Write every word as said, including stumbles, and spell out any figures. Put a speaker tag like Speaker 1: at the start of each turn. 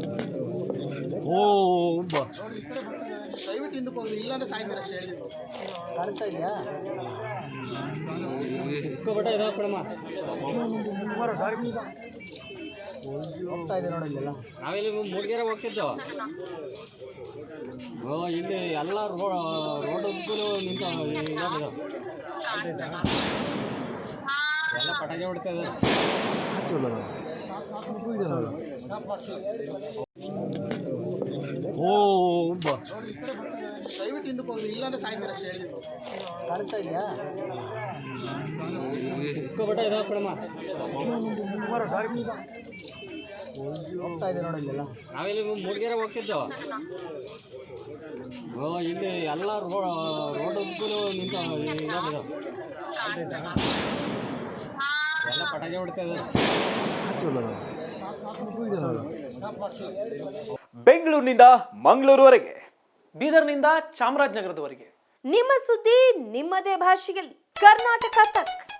Speaker 1: ಓ ಬಾ
Speaker 2: ದಯವಿಟ್ಟು ಹಿಂದಕ್ಕೆ ಹೋಗಿ ಇಲ್ಲಾಂದ್ರೆ ಸಾಯ್ತೀರ ಅಷ್ಟೇ ಹೇಳಿದ್ರು
Speaker 1: ಕಾಣಿಸ್ತಾ ಇದೆಯಾ ಇಸ್ಕೊಬಿಟ್ಟ ಇದಾವ ಕಣಮ್ಮ ಹೋಗ್ತಾ ಇದೆ ನೋಡಿ ಇಲ್ಲೆಲ್ಲ ನಾವಿಲ್ಲಿ ಮೂಡಿಗೆರೆ ಹೋಗ್ತಿದ್ದೆವು ಓ ಇಲ್ಲಿ ಎಲ್ಲ ರೋಡ್ ರೋಡ್ ಉದ್ದಲು ನಿಂತ ಎಲ್ಲ ಪಟಾಕಿ ಹೊಡಿತಾ ಇದ್ದಾರೆ ಓ ಬಾ
Speaker 2: ದಯವಿಟ್ಟು ಹಿಂದಕ್ಕೆ ಹೋಗಿ ಇಲ್ಲಾಂದ್ರೆ ಸಾಯ್ತೀರ ಅಷ್ಟೇ ಹೇಳಿದ್ರು
Speaker 1: ಕಾಣಿಸ್ತಾ ಇದೆಯಾ ಇಸ್ಕೊಬಿಟ್ಟ ಇದಾವ ಕಣಮ್ಮ ಹೋಗ್ತಾ ಇದೆ ನೋಡಿ ಇಲ್ಲೆಲ್ಲ ನಾವಿಲ್ಲಿ ಮೂಡಿಗೆರೆ ಹೋಗ್ತಿದ್ದೆವು ಓ ಇಲ್ಲಿ ಎಲ್ಲ ರೋಡ್ ರೋಡ್ ಉದ್ದಲು ನಿಂತ ಎಲ್ಲ ಪಟಾಕಿ ಹೊಡಿತಾ ಇದ್ದಾರೆ
Speaker 3: ಬೆಂಗಳೂರಿನಿಂದ ಮಂಗಳೂರುವರೆಗೆ,
Speaker 4: ಬೀದರ್ನಿಂದ ಚಾಮರಾಜನಗರದವರೆಗೆ
Speaker 5: ನಿಮ್ಮ ಸುದ್ದಿ ನಿಮ್ಮದೇ ಭಾಷೆಯಲ್ಲಿ ಕರ್ನಾಟಕ ತಕ್.